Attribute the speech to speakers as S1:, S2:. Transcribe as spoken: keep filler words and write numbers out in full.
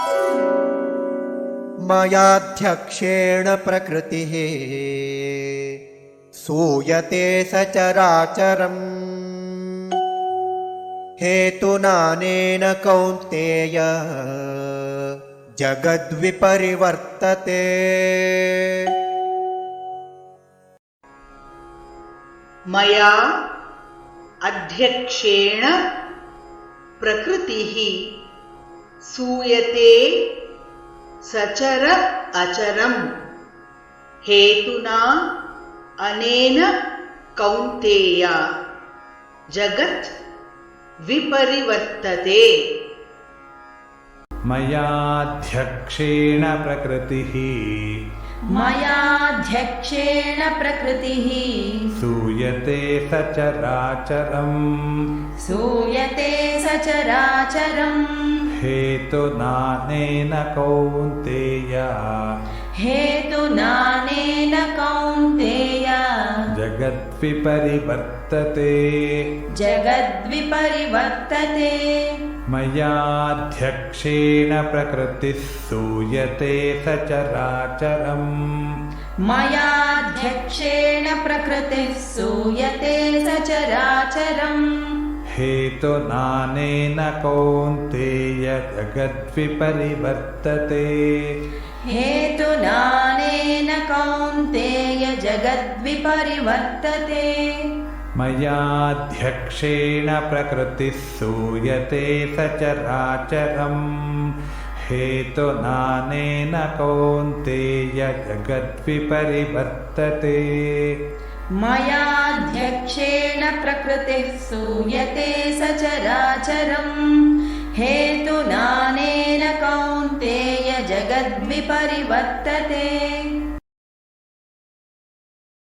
S1: मयाध्यक्षेण प्रकृतिः सूयते सचराचरम् हेतुनानेन कौन्तेय जगद्विपरिवर्तते।
S2: मया अध्यक्षेण प्रकृतिः सूयते सचर अचरम् हेतुना अनेन कौन्तेय जगत् विपरिवर्तते।
S3: मयाध्यक्षेण प्रकृतिः
S4: मयाध्यक्षेण प्रकृतिः
S3: सूयते सचराचरम्
S4: सूयते सचराचरम्
S3: हेतुनानेन कौन्तेय
S4: हेतुनानेन कौन्तेय
S3: जगद्विपरिवर्तते
S4: जगद्विपरिवर्तते।
S3: मयाध्यक्षेण प्रकृतिः सूयते सचराचरम्
S4: मयाध्यक्षेण प्रकृतिः सूयते सचराचरम्
S3: हेतुनानेन कौन्तेय जगद्विपरिवर्तते
S4: हेतुनानेन कौन्तेय जगद्विपरिवर्तते।
S3: मयाध्यक्षेण प्रकृतिः सूयते सचराचरम् हेतुनानेन कौन्तेय जगद्विपरिवर्तते।
S4: मयाध्यक्षेण प्रकृतिः सूयते सचराचरम् हेतुनानेन कौन्तेय जगद्विपरिवर्तते।